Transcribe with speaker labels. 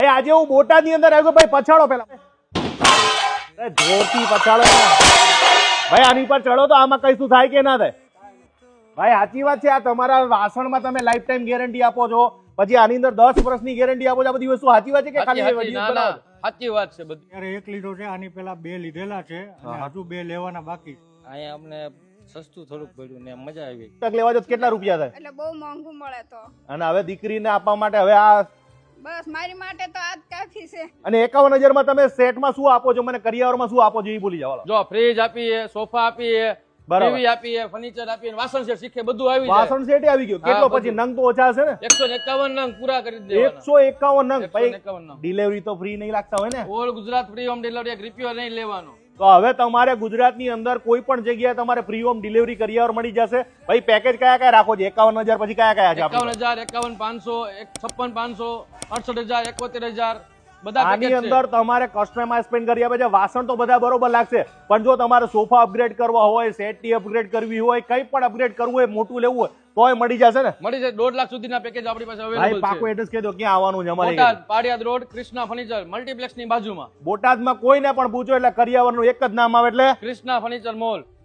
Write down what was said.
Speaker 1: આજે હું બોટાદ ની અંદર આવ્યો ભાઈ, પછાડો પેલા જોરથી પછાડો ભાઈ, આની પર ચડો તો આમાં કઈ શું થાય કે ના થાય ભાઈ? સાચી વાત છે, આ તમારા વાસણમાં તમે લાઈફ ટાઈમ ગેરંટી આપો છો, પછી આની અંદર 10 વર્ષની ગેરંટી આપો છો, આ બધી વસ્તુ સાચી વાત છે કે ખાલી
Speaker 2: સાચી વાત છે બધી?
Speaker 3: અત્યારે એક લીધો છે, આની પેલા 2 લીધેલા છે અને હજુ 2 લેવાના બાકી.
Speaker 2: અહીંયા અમને સસ્તું થોડુંક પડ્યું ને મજા આવી.
Speaker 1: તક લેવા જો કેટલા રૂપિયા થાય?
Speaker 4: એટલે બહુ મોંઘું મળે તો.
Speaker 1: અને હવે દીકરીને આપવા માટે હવે આ
Speaker 4: બસ મારી માટે તો આ જ કાફી છે.
Speaker 1: અને 51,000 માં તમે સેટમાં શું આપો છો, મને કરિયાવરમાં શું આપો છો એ ભૂલી જાવ.
Speaker 2: જો ફ્રીજ આપીએ, સોફા આપીએ, ટીવી આપીએ, ફર્નિચર આપીએ, વાસણ સેટ શીખે બધું આવી જાય.
Speaker 1: વાસણ સેટ આવી ગયું. કેટલો પછી નંગ તો ઓછા હશે ને?
Speaker 2: 151 નંગ પૂરા કરી દેવાના.
Speaker 1: 151 નંગ.
Speaker 2: 151 નંગ.
Speaker 1: ડિલિવરી તો ફ્રી નહીં લાગતા હોય ને?
Speaker 2: All Gujarat free home delivery, 1 રૂપિયો નહીં લેવાનો.
Speaker 1: તો હવે તમારે ગુજરાતની અંદર કોઈ પણ જગ્યાએ તમારે ફ્રી હોમ ડિલિવરી કરિયાવર મળી જશે. ભાઈ પેકેજ કયા કયા રાખો છો? 51,000 પછી કયા કયા છે?
Speaker 2: 51,000, 51,500, 56,500, 68,000, 71,000 બધા
Speaker 1: આની
Speaker 2: પેકેજ છે.
Speaker 1: અંદર તમારે કસ્ટમાઇઝ પણ કરી આપે છે. વાસણ તો બધા બરોબર લાગશે, પણ જો તમારે સોફા અપગ્રેડ કરવા હોય, સેટની અપગ્રેડ કરવી હોય, કંઈ પણ અપગ્રેડ કરવું હોય, મોટું લેવું હોય તોય મળી જશે ને?
Speaker 2: મળી જાય. 2 લાખ સુધીના પેકેજ આપણી પાસે
Speaker 1: ભાઈ
Speaker 2: અવેલેબલ
Speaker 1: પાકું
Speaker 2: છે.
Speaker 1: એડ્રેસ કહી દો, ક્યાં આવવાનું છે અમારે?
Speaker 2: Botad Padiyad road, Krishna furniture multiplex ની બાજુમાં.
Speaker 1: બોટાદમાં કોઈને પણ પૂછો એટલે કરિયાવરનું એક જ નામ આવે, એટલે
Speaker 2: કૃષ્ણા ફર્નિચર મોલ.